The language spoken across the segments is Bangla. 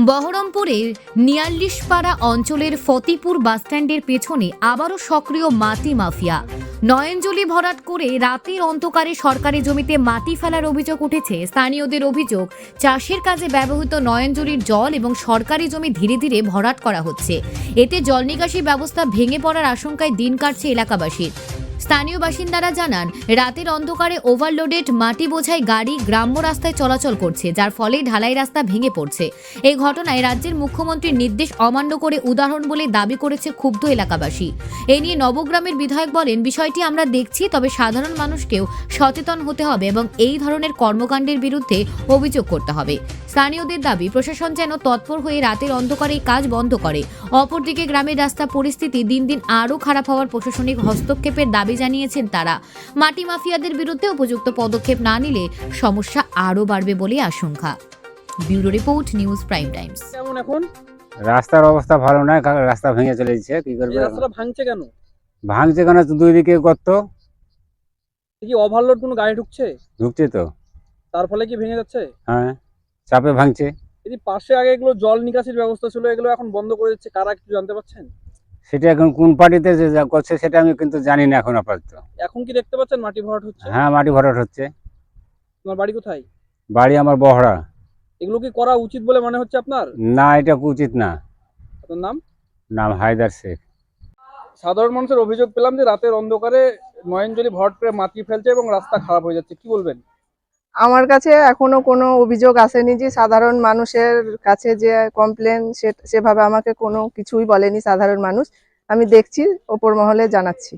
বহরমপুরের নিয়াল্লিশপাড়া অঞ্চলের ফতিপুর বাসস্ট্যান্ডের পেছনে আবারও সক্রিয় মাটি মাফিয়া। নয়নজলি ভরাট করে রাতের অন্ধকারে সরকারি জমিতে মাটি ফেলার অভিযোগ উঠেছে। স্থানীয়দের অভিযোগ, চাষের কাজে ব্যবহৃত নয়নজলির জল এবং সরকারি জমি ধীরে ধীরে ভরাট করা হচ্ছে। এতে জল নিকাশি ব্যবস্থা ভেঙে পড়ার আশঙ্কায় দিন কাটছে এলাকাবাসীর। স্থানীয় বাসিন্দারা জানান, রাতের অন্ধকারে ওভারলোডেড মাটি বোঝাই গাড়ি গ্রাম্য রাস্তায় চলাচল করছে, যার ফলে ঢালাই রাস্তা ভেঙে পড়ছে। এই ঘটনায় রাজ্যের মুখ্যমন্ত্রীর নির্দেশ অমান্য করে উদাহরণ বলে দাবি করেছে ক্ষুব্ধ এলাকাবাসী। এ নিয়ে নবগ্রামের বিধায়ক বলেন, বিষয়টি আমরা দেখছি, তবে সাধারণ মানুষকেও সচেতন হতে হবে এবং এই ধরনের কর্মকাণ্ডের বিরুদ্ধে অভিযোগ করতে হবে। স্থানীয়দের দাবি, প্রশাসন যেন তৎপর হয়ে রাতের অন্ধকারে এই কাজ বন্ধ করে। অপরদিকে গ্রামের রাস্তা পরিস্থিতি দিন দিন আরও খারাপ হওয়ার প্রশাসনিক হস্তক্ষেপের দাবি জানিয়েছেন তারা। মাটি মাফিয়াদের বিরুদ্ধে উপযুক্ত পদক্ষেপ না নিলে সমস্যা আরও বাড়বে বলে আশঙ্কা। Bureau report, news prime times. কেমন এখন? রাস্তার অবস্থা ভালো নয়, রাস্তা ভেঙে চলে যাচ্ছে। কি করবে? এই রাস্তাটা ভাঙছে কেন? ভাঙছে কেন? দুই দিকে গর্ত, কি ওভারলোড কোনো গাড়ি ঢুকছে? ঢুকছে তো। তার ফলে কি ভেঙে যাচ্ছে? হ্যাঁ, চাপে ভাঙছে। এই যে পাশে আগে এগুলো জল নিকাশির ব্যবস্থা ছিল, এগুলো এখন বন্ধ করে দিচ্ছে, কারা কিছু জানতে পারছেন? সেটা এখন কোন পার্টিতে যে যা করছে সেটা আমি কিন্তু জানি না এখন আপাতত। এখন কি দেখতে পাচ্ছেন মাটি ভরাট হচ্ছে? হ্যাঁ, মাটি ভরাট হচ্ছে। তোমার বাড়ি কোথায়? বাড়ি আমার বহরা। এগুলো কি করা উচিত বলে মনে হচ্ছে আপনার? না, এটা উচিত না। আপনার নাম? নাম হায়দার শেখ। সাধারণ মানুষের অভিযোগ পেলাম যে রাতের অন্ধকারে নয়নজলি ভরাট করে মাটি ফেলছে এবং রাস্তা খারাপ হয়ে যাচ্ছে, কি বলবেন? আমার কাছে এখনো কোনো অভিযোগ আসেনি যে সাধারণ মানুষের কাছে যে কমপ্লেন সেভাবে আমাকে কোনো কিছুই বলেনি সাধারণ মানুষ। আমি দেখছি, ওপর মহলে জানাচ্ছি।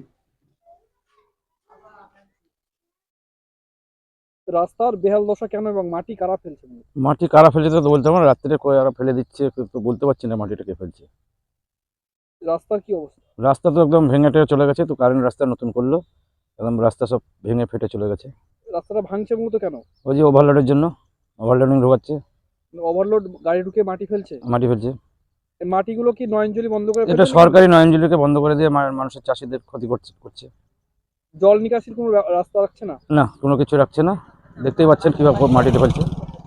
রাস্তার বেহাল দশা কেন এবং মাটি কারা ফেলছে? মাটি কারা ফেলছে তো বলতে পারবো না, রাত্রে কয়ারা ফেলে দিচ্ছে তো বলতে পারছি না মাটিটা কে ফেলছে। রাস্তার কি অবস্থা? রাস্তা তো একদম ভেঙে টেঙে চলে গেছে, তো কারেন্ট রাস্তা নতুন করলো, একদম রাস্তা সব ভেঙে ফেটে চলে গেছে। রাস্তাটা ভাঙছে মূলত কেন? ওই যে ওভারলোডের জন্য, ওভারলোডিং ঢোকাচ্ছে, ওভারলোড গাড়ি ঢুকে মাটি ফেলছে। মাটি ফেলছে। এই মাটিগুলো কি নয়নজলি বন্ধ করে এটা ফেলছে নাকি? সরকারি নয়নজলিকে বন্ধ করে দিয়ে মানুষের চাষিদের ক্ষতি করছে। জল নিকাশির কোনো রাস্তা রাখছে না? না, কোনো কিছু রাখছে না। দেখতেই পাচ্ছেন কিভাবে মাটিতে ফেলছে।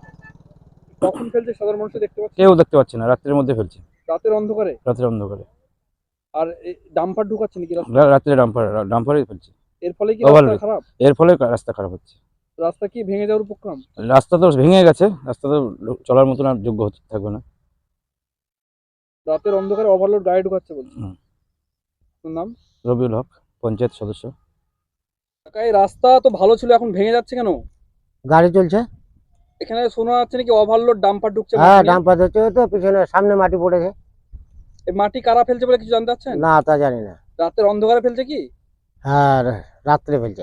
কখন ফেলছে সাধারণ মানুষ দেখতে পাচ্ছে? কেউ দেখতে পাচ্ছে না, রাত্রের মধ্যে ফেলছে, রাতের অন্ধকারে। রাত্রের অন্ধকারে। আর এই ডাম্পার ঢুকাচ্ছে নাকি রাস্তা? রাত্রে ডাম্পারে ফেলছে। এর ফলে কি Overload। রাস্তা খারাপ? এর ফলে রাস্তা খারাপ হচ্ছে। রাস্তা কি ভেঙে যাওয়ার উপক্রম? রাস্তা তো ভেঙে গেছে, রাস্তা তো চলার মতন আর যোগ্য থাকবে না। রাতের অন্ধকারে ওভারলোড গাড়ি ঢুকাচ্ছে বলছে। হুম। তোর নাম? রবিউল হক, পঞ্চায়েত সদস্য। কাকা, এই রাস্তা তো ভালো ছিল, এখন ভেঙে যাচ্ছে কেন? গাড়ি চলছে। এখানে শোনা যাচ্ছে নাকি ওভারলোড ডাম্পার ঢুকছে হ্যাঁ, মাটি নিয়ে। ডাম্পার হচ্ছে তো পিছনে সামনে মাটি পড়েছে। এই মাটি কারা ফেলছে বলে কিছু জানতে পারছেন? না, তা জানি না। রাতের অন্ধকারে ফেলছে কি? হ্যাঁ, রাত্রে ফেলছে।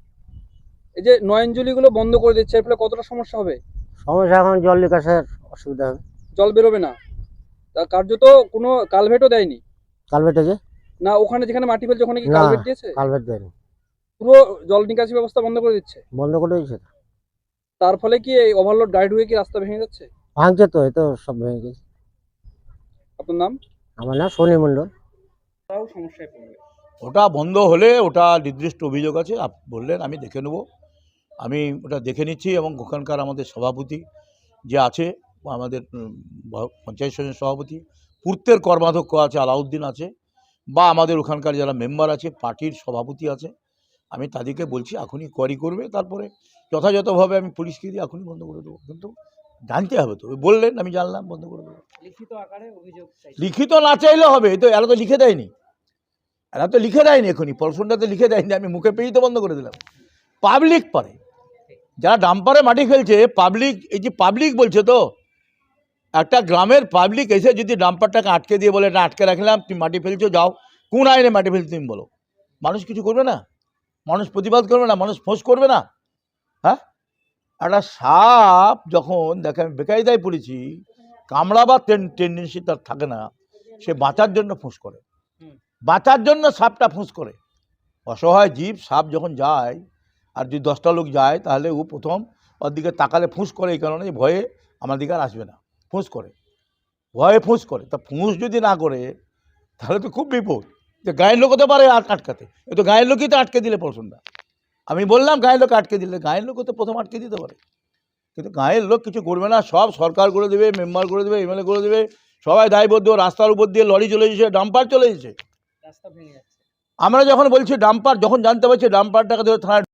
এই যে নয়নজলি গুলো বন্ধ করে দিচ্ছে, এর ফলে কতটা সমস্যা হবে? সমস্যা, এখন জল নিকাশের অসুবিধা হবে। জল বেরোবে না? তা কার্যত কোনো কালভেটও দেয়নি কালভেট আছে না? ওখানে যেখানে মাটি ফেলছে ওখানে কি না, কালভেট দিয়েছে? কালভেট দেয়নি, পুরো জল নিকাশি ব্যবস্থা বন্ধ করে দিচ্ছে। বন্ধ করে দিয়েছে। তার ফলে কি এই ওভারলোড গাড়ি ঢুকে কি রাস্তা ভেঙে যাচ্ছে? ভাঙছে তো, এই তো সব ভেঙে গেছে। আপনার নাম? আমার নাম শনি মণ্ডল। তাও সমস্যায় পড়বে। ওটা বন্ধ হলে ওটা নির্দিষ্ট অভিযোগ আছে, বললেন আমি দেখে নেব। আমি ওটা দেখে নিচ্ছি এবং ওখানকার আমাদের সভাপতি যে আছে, আমাদের পঞ্চায়েত সমিতির সভাপতি, পূর্তের কর্মাধ্যক্ষ আছে আলাউদ্দিন আছে, বা আমাদের ওখানকার যারা মেম্বার আছে, পার্টির সভাপতি আছে, আমি তাদেরকে বলছি এখনই কোয়ারি করবে, তারপরে যথাযথভাবে আমি পুলিশকে দিয়ে এখনই বন্ধ করে দেবো। কিন্তু জানতে হবে তো, বললেন আমি জানলাম, বন্ধ করে দেবো। লিখিত আকারে অভিযোগ চাই। লিখিত না চাইলে হবে, তো এরা তো লিখে দেয়নি, এরা তো লিখে দেয়নি, এখনই পরশুনটাতে লিখে দেয়নি, আমি মুখে পেয়েই তো বন্ধ করে দিলাম। পাবলিক পারে, যারা ডাম্পারে মাটি ফেলছে পাবলিক, এই যে পাবলিক বলছে তো, একটা গ্রামের পাবলিক এসে যদি ডাম্পারটাকে আটকে দিয়ে বলে, না আটকে রাখলাম, তুমি মাটি ফেলছো, যাও, কোন আইনে মাটি ফেলছো তুমি বলো, মানুষ কিছু করবে না? মানুষ প্রতিবাদ করবে না? মানুষ ফোঁস করবে না? হ্যাঁ, একটা সাপ যখন দেখে, আমি বেকায়দায় পড়েছি, কামড়া বা টেন্ডেন্সি তার থাকে না, সে বাঁচার জন্য ফোঁস করে, বাঁচার জন্য সাপটা ফুঁস করে। অসহায় জীব, সাপ যখন যায় আর যদি 10টা লোক যায়, তাহলে ও প্রথম ওর দিকে তাকালে ফুঁস করে, এই কারণে ভয়ে আমার দিকে আর আসবে না, ফুঁস করে, ভয়ে ফুঁস করে। তা ফুঁস যদি না করে তাহলে তো খুব বিপদ। যে গায়ের লোক হতে পারে আটকাতে, এ তো গায়ের লোকই তো আটকে দিলে পড়শনটা। আমি বললাম গায়ের লোক আটকে দিলে, গায়ের লোক তো প্রথম আটকে দিতে পারে। কিন্তু গাঁয়ের লোক কিছু করবে না, সব সরকার করে দেবে, মেম্বার করে দেবে, এমএলএ করে দেবে, সবাই দায়বদ্ধ। রাস্তার উপর দিয়ে লরি চলে এসেছে, ডাম্পার চলে এসেছে। আমরা যখন বলছি ডাম্পার, যখন জানতে পারছি ডাম্পারটাকে ধরে থানায়